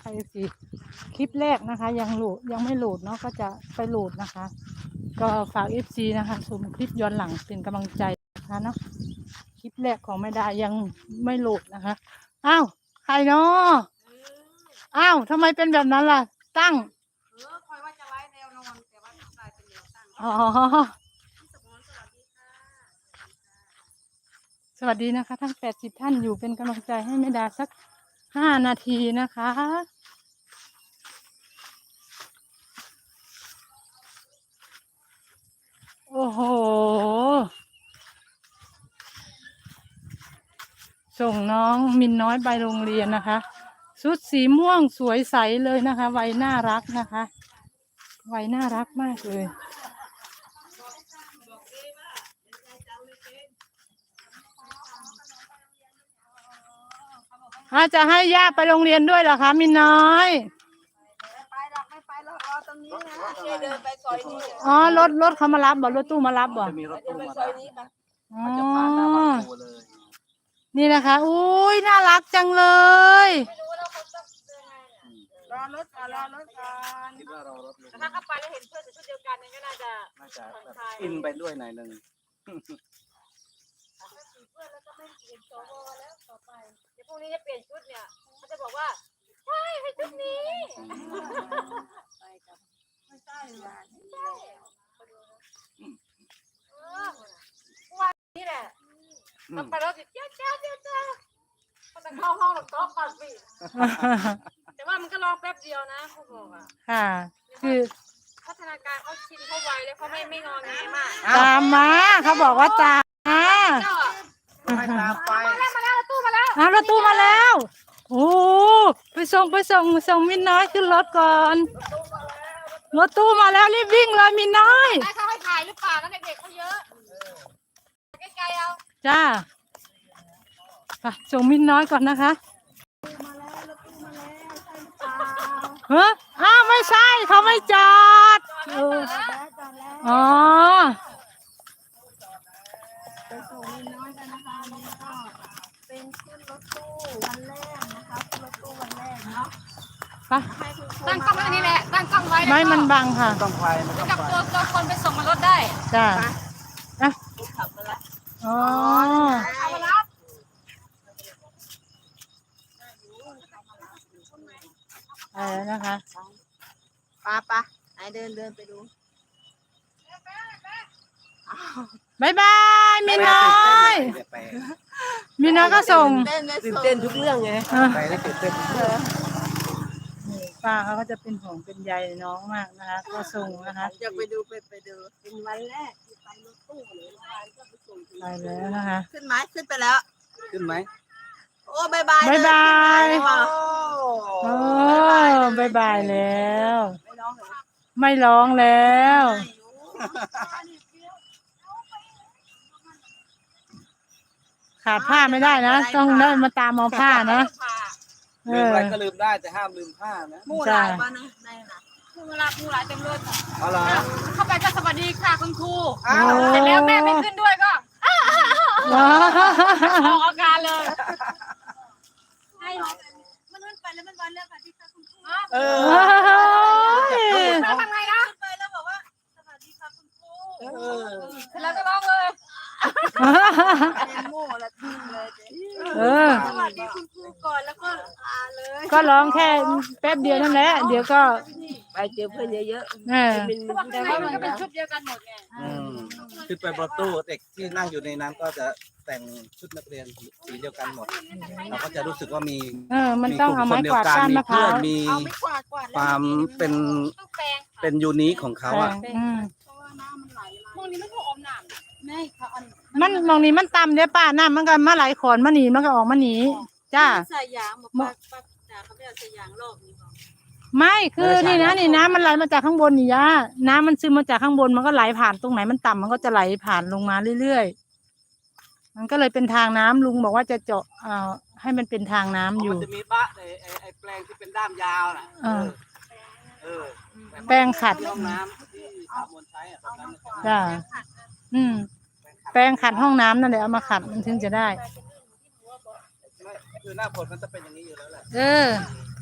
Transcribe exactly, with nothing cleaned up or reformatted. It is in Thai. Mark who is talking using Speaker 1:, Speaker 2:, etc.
Speaker 1: เอฟซีคลิปแรกนะคะยังโหลดยังไม่โหลดเนาะก็จะไปโหลดนะคะก็ฝากเอฟซีนะคะชมคลิปย้อนหลังเป็นกำลังใจนะคะเนาะคลิปแรกของไม่ได้ยังไม่โหลดนะคะอ้าวใครเนาะอ้าวทำไมเป็นแบบนั้นล่ะตั้ง
Speaker 2: เออคอยว่าจะไล่แนวนอนแต่ว่ากลายเป็นแนวตั้ง
Speaker 1: อ๋อสวัสดีนะคะทั้งแปดสิบท่านอยู่เป็นกำลังใจให้แม่ดาสักห้านาทีนะคะโอ้โหส่งน้องมินน้อยไปโรงเรียนนะคะชุดสีม่วงสวยใสเลยนะคะวัยน่ารักนะคะวัยน่ารักมากเลยอาจะให้ย่าไปโรงเรียนด้วยเหรอคะมินน้อย
Speaker 2: ไปหรอกไม่ไปหรอกรอตรงนี้นะเดินไปซอยนี้
Speaker 1: อ๋อรถรถเขามารับบ่รถตู้มารับบ่
Speaker 3: จะมีรถตู้มา
Speaker 2: ซอยนี้ค่ะ
Speaker 1: อ๋อ
Speaker 3: จะผ่านหน้าบ้านครูเลย
Speaker 1: นี่นะคะอุ้ยน่ารักจังเลย
Speaker 2: รอรถก่อนรอรถก่อน
Speaker 3: คิดว่ารอรถเลย
Speaker 2: ถ้าเข้าไปแล้วเห็นเพื่อนใส่ชุดเดียวกันนั่นก็น่าจะ
Speaker 3: น่าจะแบบอินไปด้วยหน่อยหนึ่ง
Speaker 2: เพื่อนแล้วก็ไม่เปลี่ยนโซโล่แล้วต่อไปเดี๋ยวพรุ่งนี้จะเปลี่ยนชุดเนี่ยเขาจะบอกว่าใช่ให้ชุดนี้ไปกับไม่ใช่หรอกไม่ใช่เออวันนี้แหละต้องไปรถติดเจ้าเจ้าเจ้าเจ้าก็จะเข้าห้องหลบโต๊ะก่อนสิแต่ว่ามันก็รอแป๊บเดียวนะครูบอกอ่ะ
Speaker 1: ค่ะคือ
Speaker 2: พัฒนาการเขาชินเขาไวแล้วเขาไม่ไม่งอแงมาก
Speaker 1: ตามมาเขาบอกว่าตามมา
Speaker 3: ไม่ตามไป
Speaker 2: มาแล้วมาแล้วรถตู้มาแล้ว
Speaker 1: อ้าวรถตู้มาแล้วโอ้ไปส่งไปส่งส่งมินน้อยขึ้นรถก่อนรถตู้มาแล้วรีบวิ่งเลยมินน้อย
Speaker 2: ได้เขาให้ถ่ายหรือเปล่านั่นเด็กๆเขาเยอะใกล้ๆเอา
Speaker 1: จ้าไปส่งมินน้อยก่อนนะคะ
Speaker 2: มาแล้วรถตู้มาแล้วใช่หรือเปล่า
Speaker 1: เฮ้ออ้าวไม่ใช่เขาไม่จอดเอออ๋อ
Speaker 2: ไปส่งมินน้อยกันนะคะนี่ก็เป็นขึ้นรถตู้วันแรกนะคะขึ้นรถตู้วันแรกเนาะ
Speaker 1: ไป
Speaker 2: ตั้งกล้องไว้นี่แหละตั้งกล้องไว้
Speaker 1: ไม่มันบังค่ะ
Speaker 3: ต้องไปมันต้อง
Speaker 2: กับ
Speaker 3: ไป
Speaker 2: ตัวตัวคนไปส่งมารถได้
Speaker 1: จ้าอ่ะอ๋อ
Speaker 2: เอามารับ
Speaker 1: ไปแล้วนะคะ
Speaker 2: ป้าป้าไหนเดินเดินไปดู
Speaker 1: บายบายมินน้อยมินน้อยก็ส่ง
Speaker 2: ตื่นเต้นทุกเรื่องไง
Speaker 3: ไปได้ตื่นเต้น
Speaker 1: ป้าเขาก็จะเป็นห่วงเป็นใยน้องมากนะคะก็ส่งนะคะ
Speaker 2: อยากไปดูไปไปดูเป็นวันแรกที่ไปรถตู้เลยก็ไปส่ง
Speaker 1: ไปแล้วนะคะ
Speaker 2: ขึ้นไหมขึ้นไปแล้ว
Speaker 3: ขึ้นไหม
Speaker 2: โอ้บายบาย
Speaker 1: บายบาย
Speaker 3: โอ้
Speaker 1: บายบายแล้วไม่ร้องแล้วขาดผ้าไม่ได้นะต้องได้มาตามเอาผ้านะ
Speaker 3: ลืมอะไรก็ลืมได้แต่ห้ามลืมผ้านะ
Speaker 2: มู่หลายวันนะได้นะมู่หลายมู่หลายเต็มรถ
Speaker 3: เอาล่ะ
Speaker 2: เข้าไปก็สวัสดีค่ะคุณครูเสร็จแล้วแม่ไม่ขึ้นด้วยก็ออกอาการเลยให้มันขึ้นไปแล้วมันวันเรื่องค่ะที่คุณครู
Speaker 3: เออ
Speaker 2: แล้วทำไงนะขึ้นไปแล้วบอกว่าสวัสดีค่ะคุณครูเสร็จแล้วก็ร้องเลยเป็นโม่ละทิ้งเลย
Speaker 1: เออ
Speaker 2: สวัสดีคุณครูก่อนแล้วก็ลาเลย
Speaker 1: ก็ร้องแค่แป๊บเดียวนั่นแหละเดี๋ยวก็
Speaker 2: ไปเจอเพื่อนเยอะ
Speaker 1: ๆเออ
Speaker 2: แต่ว่ามันก็เป็นชุดเดียวกันหมดไง
Speaker 3: ขึ้นไปรถตู้เด็กที่นั่งอยู่ในนั้นก็จะแต่งชุดนักเรียนสีเดียวกันหมดเราก็จะรู้สึกว่ามี
Speaker 1: เออมันต้องเอาไม้กวาดก้านมะพร้าว
Speaker 3: มีความเป็นเป็นยูนิคของเขาอ่ะ
Speaker 2: พวกนี้ไม่พออมหนามไม่ค่ะ
Speaker 1: มันมองนี้มันต่ำเด้ป้าน้ำมันก็มาไหลขอนมาหนีมันก็ออกมาหนีจ้า
Speaker 2: ใส่ยางบอกป้าป้าจ๋าเขาไม่เอาใส่ยางรอบนี้หรอ
Speaker 1: ไม่คือนี่นะนี่น้ำมันไหลมาจากข้างบนนี่ย่าน้ำมันซึมมาจากข้างบนมันก็ไหลผ่านตรงไหนมันต่ำมันก็จะไหลผ่านลงมาเรื่อยๆมันก็เลยเป็นทางน้ำลุงบอกว่าจะเจาะเอ่อให้มันเป็นทางน้ำอยู่
Speaker 3: มันจะมีบ้าไอ้ไอ้แปลงที่เป็นด้ามยาวน่ะเออเออ
Speaker 1: แปลงขัด
Speaker 3: ห้องน้ำที่สามวนใช้อ่ะตอนนั้น
Speaker 1: จ้าอืมแปรงขัดห้องน้ำนั่นแหละเอามาขัดมันถึงจะได้
Speaker 3: คือหน้าฝนมันจะเป็นอย่างนี้อยู่แล้วแหละ
Speaker 1: เออ